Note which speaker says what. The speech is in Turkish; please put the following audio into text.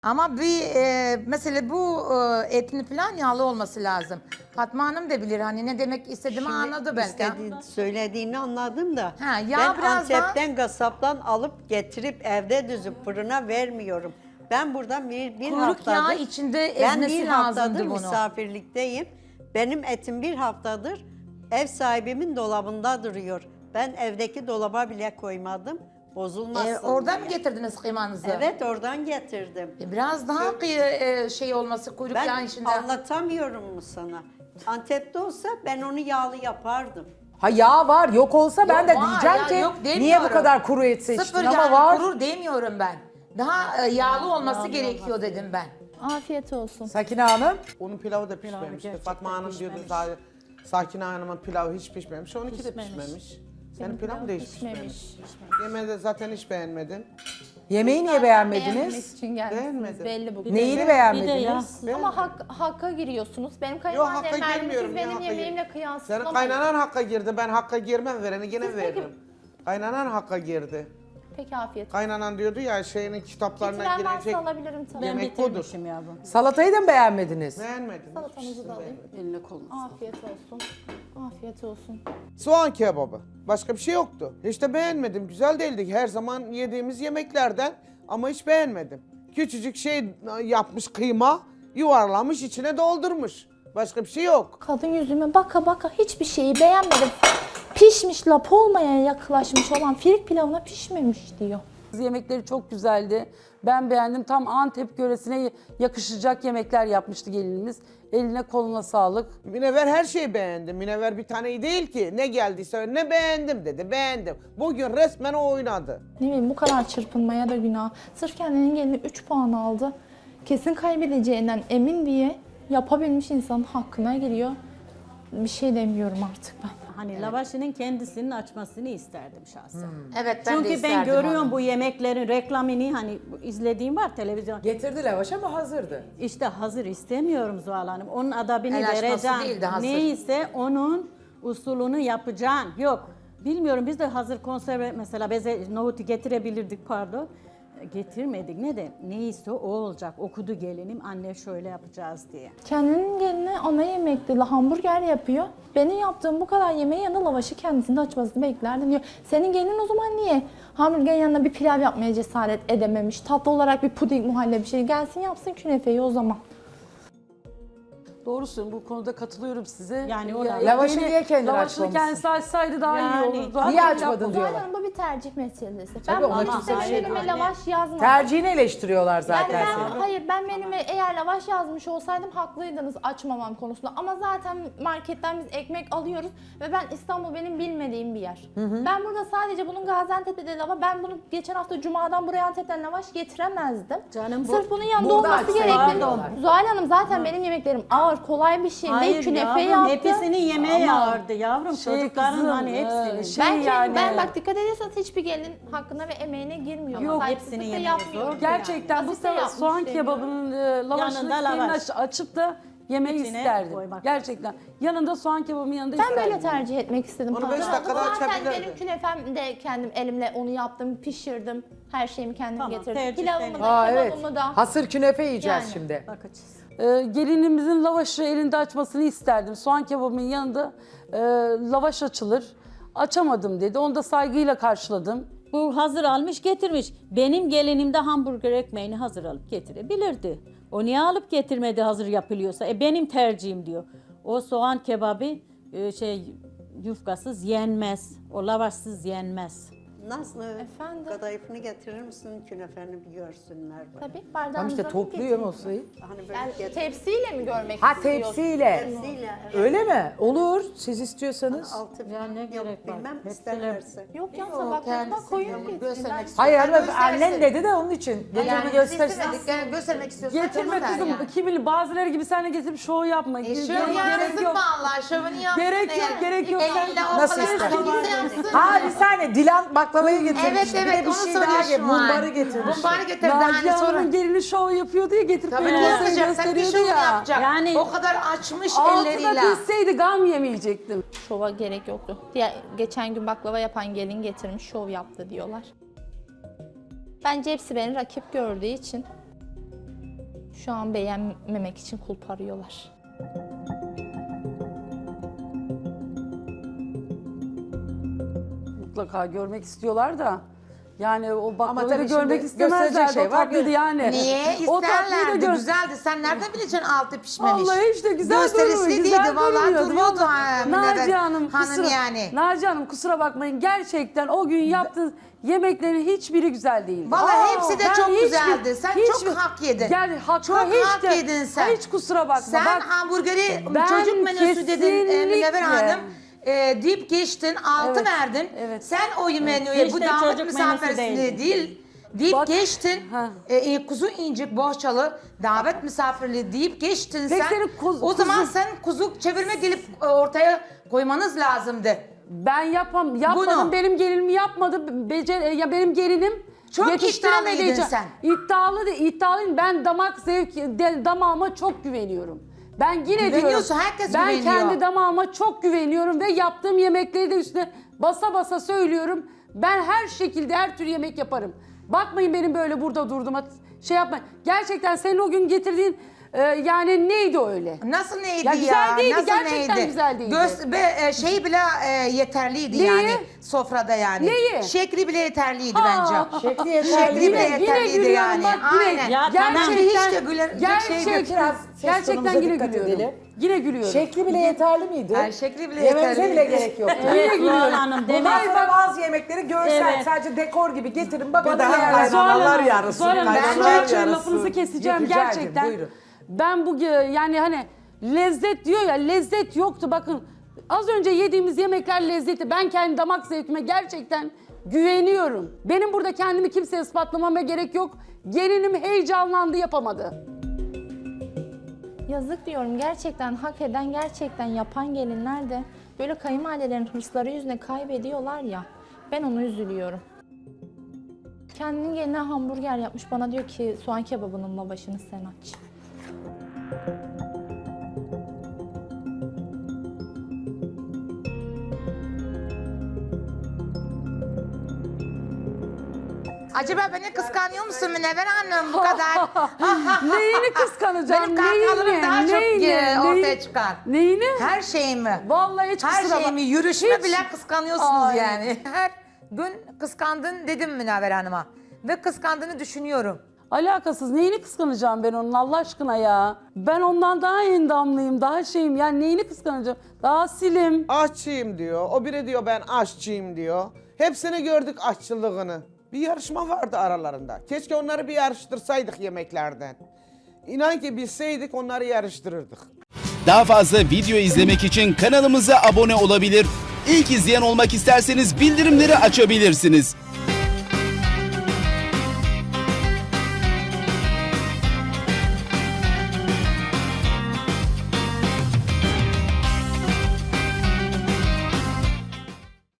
Speaker 1: Ama mesela bu etin falan yağlı olması lazım. Fatma Hanım da bilir hani ne demek istediğimi anladı belki.
Speaker 2: Söylediğini anladım da.
Speaker 1: Ha, yağ
Speaker 2: ben
Speaker 1: biraz daha-
Speaker 2: Antep'ten kasaptan alıp getirip evde düzüp fırına vermiyorum. Ben burada bir
Speaker 1: Kuyruk
Speaker 2: haftadır...
Speaker 1: yağı içinde
Speaker 2: Ben
Speaker 1: ezmesi
Speaker 2: bir
Speaker 1: lazımdı
Speaker 2: haftadır
Speaker 1: bunu.
Speaker 2: misafirlikteyim. Benim etim bir haftadır ev sahibimin dolabında duruyor. Ben evdeki dolaba bile koymadım. Bozulmasın
Speaker 1: Oradan mı
Speaker 2: diye.
Speaker 1: getirdiniz kıymanızı?
Speaker 2: Evet, oradan getirdim.
Speaker 1: Biraz daha şey olması kuyruk yağı
Speaker 2: Ben
Speaker 1: içinde.
Speaker 2: anlatamıyorum mu sana? Antep'te olsa ben onu yağlı yapardım.
Speaker 3: Ha yağ var, yok olsa ben de
Speaker 1: Yok, var
Speaker 3: diyeceğim
Speaker 1: ya,
Speaker 3: ki
Speaker 1: yok demiyorum.
Speaker 3: niye bu kadar kuru et seçtin
Speaker 1: Sıfır
Speaker 3: ama
Speaker 1: yani
Speaker 3: var.
Speaker 1: kurur demiyorum ben. Daha yağlı olması gerekiyor dedim ben.
Speaker 4: Afiyet olsun.
Speaker 3: Sakine Hanım,
Speaker 5: Onun pilavı da pişmemişti. Fatma Hanım diyordu zaten Sakine Hanım'ın pilavı hiç pişmemiş. Onunki de pişmemiş. Senin pilavın da hiç pişmemiş. Yemeği de zaten hiç beğenmedim.
Speaker 3: yemeği niye
Speaker 4: Beğenmek
Speaker 3: beğenmediniz?
Speaker 4: için gelmişsiniz
Speaker 5: Beğenmedim.
Speaker 4: belli bu.
Speaker 3: Neyini beğenmediniz?
Speaker 4: Ama hakka giriyorsunuz. Benim
Speaker 5: Yok
Speaker 4: kayınvalidem
Speaker 5: hakka
Speaker 4: verdi,
Speaker 5: girmiyorum.
Speaker 4: siz
Speaker 5: ya,
Speaker 4: benim
Speaker 5: hakka
Speaker 4: yemeğimle
Speaker 5: gir-
Speaker 4: kıyaslamayın.
Speaker 5: Senin kaynanan hakka girdi. Ben hakka girmem, vereni gene
Speaker 4: Siz peki-
Speaker 5: veririm. Kaynanan hakka girdi.
Speaker 4: Peki afiyet olsun.
Speaker 5: Kaynanan diyordu ya şeyinin kitaplarına
Speaker 4: Getiren
Speaker 5: girecek.
Speaker 4: varsa alabilirim tabii.
Speaker 5: Yemek budur.
Speaker 6: Bitirmişim yavrum.
Speaker 3: Salatayı da mı beğenmediniz?
Speaker 5: Beğenmedim.
Speaker 4: Salatanızı da alayım.
Speaker 6: Eline koluna.
Speaker 4: Afiyet olsun. Afiyet olsun.
Speaker 5: Soğan kebabı. Başka bir şey yoktu. Hiç de beğenmedim. Güzel değildi. Her zaman yediğimiz yemeklerden ama hiç beğenmedim. Küçücük şey yapmış kıyma, yuvarlamış, içine doldurmuş. Başka bir şey yok.
Speaker 4: Kadın yüzüme baka baka hiçbir şeyi beğenmedim. Pişmiş lap olmaya yaklaşmış olan firik pilavına pişmemiş diyor.
Speaker 6: Yemekleri çok güzeldi. Ben beğendim. Tam Antep yöresine yakışacak yemekler yapmıştı gelinimiz. Eline koluna sağlık.
Speaker 5: Münevver her şeyi beğendi. Münevver bir tane değil ki. Ne geldiyse ne beğendim dedi. Beğendim. Bugün resmen o oynadı.
Speaker 4: Ne bileyim bu kadar çırpınmaya da günah. Sırf kendinin gelini 3 puan aldı. Kesin kaybedeceğinden emin diye yapabilmiş insanın hakkına giriyor. Bir şey demiyorum artık ben.
Speaker 7: Hani lavaşının kendisinin açmasını isterdim şahsen.
Speaker 1: Evet ben de
Speaker 7: Çünkü ben
Speaker 1: isterdim
Speaker 7: görüyorum
Speaker 1: onu.
Speaker 7: bu yemeklerin reklamını hani izlediğim var televizyon.
Speaker 3: Getirdi lavaş ama hazırdı.
Speaker 7: İşte hazır istemiyorum Zuhal Hanım. Onun adabını
Speaker 1: El açması
Speaker 7: vereceğim.
Speaker 1: değil de hazır.
Speaker 7: Neyse onun usulünü yapacaksın. Yok. Bilmiyorum biz de hazır konserve mesela nohutu getirebilirdik pardon. Getirmedik. Neyse o olacak. Okudu gelinim anne şöyle yapacağız diye.
Speaker 4: Kendinin geline ana yemekte hamburger yapıyor. Benim yaptığım bu kadar yemeğin yanında lavaşı kendisinde açmasını beklerdim diyor. Senin gelinin o zaman niye hamburgerin yanına bir pilav yapmaya cesaret edememiş? Tatlı olarak bir puding muhallebi bir şey gelsin yapsın künefeyi o zaman.
Speaker 6: Doğrusun bu konuda katılıyorum size.
Speaker 7: Yani o
Speaker 3: Lavaşı niye kendin
Speaker 6: Lavaşını
Speaker 3: açmamışsın?
Speaker 6: kendisi açsaydı daha
Speaker 7: Yani.
Speaker 6: iyi olurdu.
Speaker 3: Niye
Speaker 6: Ama
Speaker 3: açmadın
Speaker 6: yapmadı.
Speaker 3: diyorlar.
Speaker 4: Zaten bu bir tercih meselesi.
Speaker 3: Tabii,
Speaker 4: Ben
Speaker 3: ona
Speaker 4: bunu
Speaker 3: kimse bir şey
Speaker 4: menüme
Speaker 3: diyemez.
Speaker 4: lavaş yazmadım.
Speaker 3: Tercihini eleştiriyorlar zaten
Speaker 4: Yani
Speaker 3: seni.
Speaker 4: hayır ben menüme eğer lavaş yazmış olsaydım haklıydınız açmamam konusunda. Ama zaten marketten biz ekmek alıyoruz ve ben İstanbul benim bilmediğim bir yer. Ben burada sadece bunun Gaziantep'te de lavaş, ben bunu geçen hafta Cuma'dan buraya Antep'ten lavaş getiremezdim.
Speaker 7: Canım bu-
Speaker 4: Sırf bunun yanında
Speaker 3: Burada
Speaker 4: olması
Speaker 3: açsaydın
Speaker 4: gerekli.
Speaker 3: diyorlar.
Speaker 4: Zuhal Hanım zaten benim yemeklerim ağır, kolay bir şey değil.
Speaker 7: Hayır
Speaker 4: Künefe
Speaker 7: yavrum
Speaker 4: yaptı.
Speaker 7: hepsinin yemeği
Speaker 6: Ama
Speaker 7: ağırdı yavrum.
Speaker 6: şey
Speaker 7: Çocukların
Speaker 6: kızım,
Speaker 7: hani hepsinin.
Speaker 4: Ben bak dikkat ediyorsanız hiçbir gelin hakkına ve emeğine girmiyor.
Speaker 6: Yok,
Speaker 4: Saygısızlık
Speaker 7: hepsinin
Speaker 4: da
Speaker 7: yemeği
Speaker 4: yapmıyor.
Speaker 7: zor.
Speaker 6: Gerçekten bu
Speaker 4: Basit de
Speaker 6: sefer
Speaker 4: yapmış
Speaker 6: soğan
Speaker 4: demiyorum.
Speaker 6: kebabının lavaşını
Speaker 7: Yanında
Speaker 6: kendin
Speaker 7: lavaş.
Speaker 6: açıp da yemeği
Speaker 7: İçine
Speaker 6: isterdim.
Speaker 7: koymak.
Speaker 6: Gerçekten. Yanında soğan kebabının yanında
Speaker 4: Ben
Speaker 6: isterdim.
Speaker 4: böyle tercih etmek istedim.
Speaker 5: Onu beş
Speaker 4: Hazır
Speaker 5: dakikada
Speaker 4: aldım. Zaten
Speaker 5: açabilirdi.
Speaker 4: benim künefem de kendim elimle onu yaptım, pişirdim. Her şeyimi kendim
Speaker 7: Tamam,
Speaker 4: getirdim.
Speaker 7: tercih
Speaker 4: Pilavımı
Speaker 7: senin.
Speaker 4: da,
Speaker 3: Aa evet.
Speaker 4: kebabımı da.
Speaker 3: Hasır künefe yiyeceğiz
Speaker 4: Yani.
Speaker 3: şimdi.
Speaker 7: Bakacağız.
Speaker 6: Gelinimizin lavaşı elinde açmasını isterdim. Soğan kebabının yanında lavaş açılır. Açamadım dedi. Onu da saygıyla karşıladım.
Speaker 7: Bu hazır almış getirmiş. Benim gelinim de hamburger ekmeğini hazır alıp getirebilirdi. O niye alıp getirmedi hazır yapılıyorsa? Benim tercihim diyor. O soğan kebabı yufkasız yenmez. O lavaşsız yenmez.
Speaker 2: Nazlı,
Speaker 4: Efendim?
Speaker 2: kadayıfını getirir misin? Künefeni bir görsünler. Bak.
Speaker 4: Tabii bardağınıza
Speaker 3: Tam işte topluyor masayı.
Speaker 2: Hani böyle
Speaker 4: Yani
Speaker 2: getir.
Speaker 4: tepsiyle mi görmek
Speaker 3: Ha
Speaker 4: istiyorsun?
Speaker 3: tepsiyle.
Speaker 2: Tepsiyle, evet.
Speaker 3: Öyle mi? Olur. Siz istiyorsanız.
Speaker 2: Altı
Speaker 7: Ya ne
Speaker 2: yok,
Speaker 7: gerek var?
Speaker 2: bilmem
Speaker 7: Hepsine-
Speaker 2: isterlerse.
Speaker 4: Yok ya
Speaker 1: Yok,
Speaker 4: tabaklarına
Speaker 1: kendisi
Speaker 4: koyun
Speaker 1: yani
Speaker 4: getirsin.
Speaker 1: göstermek istiyor.
Speaker 3: Hayır
Speaker 1: Ben
Speaker 3: hanımefendi
Speaker 1: göstersin.
Speaker 3: annen dedi de onun için. Getirme
Speaker 1: Yani biz
Speaker 3: göstersin.
Speaker 1: istemedik, yani göstermek istiyorsan
Speaker 6: Getirme
Speaker 1: tamam der
Speaker 6: kızım.
Speaker 1: yani.
Speaker 6: Kim bilir bazıları gibi sen de getirip şov yapma.
Speaker 1: Şöyle
Speaker 6: Gerek
Speaker 1: yapsın
Speaker 6: yok.
Speaker 1: vallahi şovunu yapsın.
Speaker 6: Gerek yok,
Speaker 1: eğer.
Speaker 6: gerek yok.
Speaker 1: Elinde o
Speaker 3: Nasıl
Speaker 1: kadar
Speaker 3: ister?
Speaker 1: kimse yapsın.
Speaker 3: Ha bir saniye Dilan baklavayı getirmiş.
Speaker 1: Evet
Speaker 3: Bir de
Speaker 1: evet
Speaker 3: bir
Speaker 1: onu
Speaker 3: şey daha
Speaker 1: soruyor
Speaker 3: getirmiş.
Speaker 1: şu an.
Speaker 3: Mumbarı getirmiş.
Speaker 1: Mumbarı getirdi
Speaker 6: Naciye
Speaker 1: hani sonra.
Speaker 6: Hanım'ın gelini şov yapıyordu ya getirip
Speaker 1: Tabii
Speaker 6: böyle
Speaker 1: ne
Speaker 6: masaya
Speaker 1: yapacak? Sen bir
Speaker 6: gösteriyordu
Speaker 1: şovunu
Speaker 6: ya.
Speaker 1: yapacak.
Speaker 7: Yani-
Speaker 1: O kadar açmış
Speaker 6: Altına
Speaker 1: elleriyle.
Speaker 6: pişseydi gam yemeyecektim.
Speaker 4: Şova gerek yoktu. Geçen gün baklava yapan gelin getirmiş şov yaptı diyorlar. Bence hepsi beni rakip gördüğü için Şu an beğenmemek için kulp arıyorlar.
Speaker 6: Mutlaka görmek istiyorlar da. Yani o baklavayı
Speaker 3: tabii
Speaker 6: görmek
Speaker 3: şimdi
Speaker 6: istemezlerdi.
Speaker 3: gösterecek şey
Speaker 6: O
Speaker 3: var.
Speaker 6: tatlıydı yani.
Speaker 1: Niye?
Speaker 6: O tatlıyı da
Speaker 1: İsterlerdi.
Speaker 6: gör-
Speaker 1: Güzeldi. Sen nereden bileceksin altı pişmemiş?
Speaker 6: Vallahi işte güzel
Speaker 1: Gösterisiydi,
Speaker 6: güzel
Speaker 1: vallahi
Speaker 6: görünüyordu.
Speaker 1: duruyordu
Speaker 6: Vallahi.
Speaker 1: Münevver
Speaker 6: Naciye Hanım,
Speaker 1: Hanım yani.
Speaker 6: Naciye Hanım kusura bakmayın. Gerçekten o gün yaptığınız yemeklerin hiçbiri güzel değildi.
Speaker 1: Vallahi hepsi de
Speaker 6: Ben
Speaker 1: çok
Speaker 6: hiçbir-
Speaker 1: güzeldi. Sen çok hak yedin.
Speaker 6: Yani hakka
Speaker 1: Çok
Speaker 6: hiç
Speaker 1: hak
Speaker 6: de,
Speaker 1: yedin sen.
Speaker 6: Hiç kusura bakma.
Speaker 1: Sen
Speaker 6: Bak,
Speaker 1: hamburgeri
Speaker 6: ben
Speaker 1: çocuk menüsü dedin Münevver
Speaker 6: kesinlikle-
Speaker 1: Hanım. Deyip geçtin, 6
Speaker 6: Evet,
Speaker 1: verdin.
Speaker 6: evet.
Speaker 1: Sen o menüye
Speaker 7: Hiç
Speaker 1: bu
Speaker 7: de
Speaker 1: damat
Speaker 7: çocuk menüsü
Speaker 1: misafirliği
Speaker 7: değildi.
Speaker 1: değil deyip
Speaker 6: Bak-
Speaker 1: geçtin.
Speaker 6: Ha.
Speaker 1: Kuzu incik bohçalı davet misafirliği deyip geçtin
Speaker 6: Peki
Speaker 1: sen.
Speaker 6: senin
Speaker 1: O zaman
Speaker 6: kuzu-
Speaker 1: sen kuzu çevirme gelip ortaya koymanız lazımdı.
Speaker 6: Ben yapmadım.
Speaker 1: Bunu.
Speaker 6: Benim gelinim yapmadı. Ya benim gelinim
Speaker 1: Çok
Speaker 6: yetiştiremediği
Speaker 1: iddialıydın
Speaker 6: için-
Speaker 1: sen.
Speaker 6: İddialıyım. Ben damağıma çok güveniyorum. Ben yine diyorum.
Speaker 1: Güveniyorsun, herkes
Speaker 6: ben
Speaker 1: güveniyor.
Speaker 6: kendi damağıma çok güveniyorum ve yaptığım yemekleri de üstüne basa basa söylüyorum. Ben her şekilde her tür yemek yaparım. Bakmayın benim böyle burada durduğuma şey yapmayın. Gerçekten senin o gün getirdiğin yani neydi öyle?
Speaker 1: Nasıl neydi
Speaker 6: Ya
Speaker 1: ya?
Speaker 6: güzel değildi,
Speaker 1: Nasıl
Speaker 6: gerçekten
Speaker 1: neydi?
Speaker 6: güzel değildi.
Speaker 1: Şey bile yeterliydi
Speaker 6: Neyi?
Speaker 1: yani sofrada yani.
Speaker 6: Neyi?
Speaker 1: Şekli bile yeterliydi
Speaker 6: Aa,
Speaker 1: bence.
Speaker 3: Şekli
Speaker 1: Şekli
Speaker 3: yeterli.
Speaker 1: bile
Speaker 6: Yine
Speaker 1: yeterliydi
Speaker 6: gülüyorum
Speaker 1: yani.
Speaker 6: bak yine.
Speaker 1: Aynen.
Speaker 7: Ya tamam.
Speaker 1: Hiç de gülecek şey yok.
Speaker 6: Gerçekten,
Speaker 3: Biraz ses tonumuza
Speaker 6: yine
Speaker 3: dikkat
Speaker 6: gülüyorum.
Speaker 3: edelim.
Speaker 6: Yine gülüyorum.
Speaker 3: Şekli bile yeterli miydi?
Speaker 1: Ay, şekli bile
Speaker 3: Yememize
Speaker 1: yeterli.
Speaker 3: bile gerek yoktu.
Speaker 7: Evet
Speaker 6: gülüyorum.
Speaker 7: Zuhal Hanım
Speaker 3: Bundan
Speaker 7: demek.
Speaker 3: sonra bazı yemekleri görsel,
Speaker 7: Evet.
Speaker 3: sadece dekor gibi getirin. Bakın
Speaker 8: daha
Speaker 3: yani.
Speaker 8: kaynanalar yarısı,
Speaker 6: Zuhal Hanım, ben
Speaker 8: kaynanalar
Speaker 6: şu
Speaker 8: yarısı.
Speaker 6: lafınızı keseceğim
Speaker 3: Rica ederim,
Speaker 6: gerçekten.
Speaker 3: buyurun.
Speaker 6: Ben yani hani lezzet diyor ya, lezzet yoktu bakın. Az önce yediğimiz yemekler lezzeti. Ben kendi damak zevkime gerçekten güveniyorum. Benim burada kendimi kimseye ispatlamama gerek yok. Gelinim heyecanlandı, yapamadı.
Speaker 4: Yazık diyorum, gerçekten hak eden, gerçekten yapan gelinler de böyle kayınvalidelerin hırsları yüzüne kaybediyorlar ya. Ben ona üzülüyorum. Kendinin geline hamburger yapmış, bana diyor ki soğan kebabının lavaşını sen aç.
Speaker 1: Acaba beni kıskanıyor musun Münevver Hanım bu kadar?
Speaker 6: Neyini kıskanacağım?
Speaker 1: Benim kahkahalarım daha çok ortaya çıkar.
Speaker 6: Neyini?
Speaker 1: Her şeyimi.
Speaker 6: Vallahi hiç
Speaker 1: Her
Speaker 6: kusura bak-
Speaker 1: şeyimi, yürüyüşme
Speaker 6: Hiç.
Speaker 1: bile kıskanıyorsunuz
Speaker 6: Ay.
Speaker 1: yani. Her gün kıskandın dedim Münevver Hanım'a. Ve kıskandığını düşünüyorum.
Speaker 6: Alakasız. Neyini kıskanacağım ben onun Allah aşkına ya? Ben ondan daha endamlıyım, daha şeyim. Yani neyini kıskanacağım? Daha silim.
Speaker 5: Aşçıyım diyor. O biri diyor ben aşçıyım diyor. Hepsini gördük aşçılığını. Bir yarışma vardı aralarında. Keşke onları bir yarıştırsaydık yemeklerden. İnan ki bilseydik onları yarıştırırdık.
Speaker 9: Daha fazla video izlemek için kanalımıza abone olabilir. İlk izleyen olmak isterseniz bildirimleri açabilirsiniz.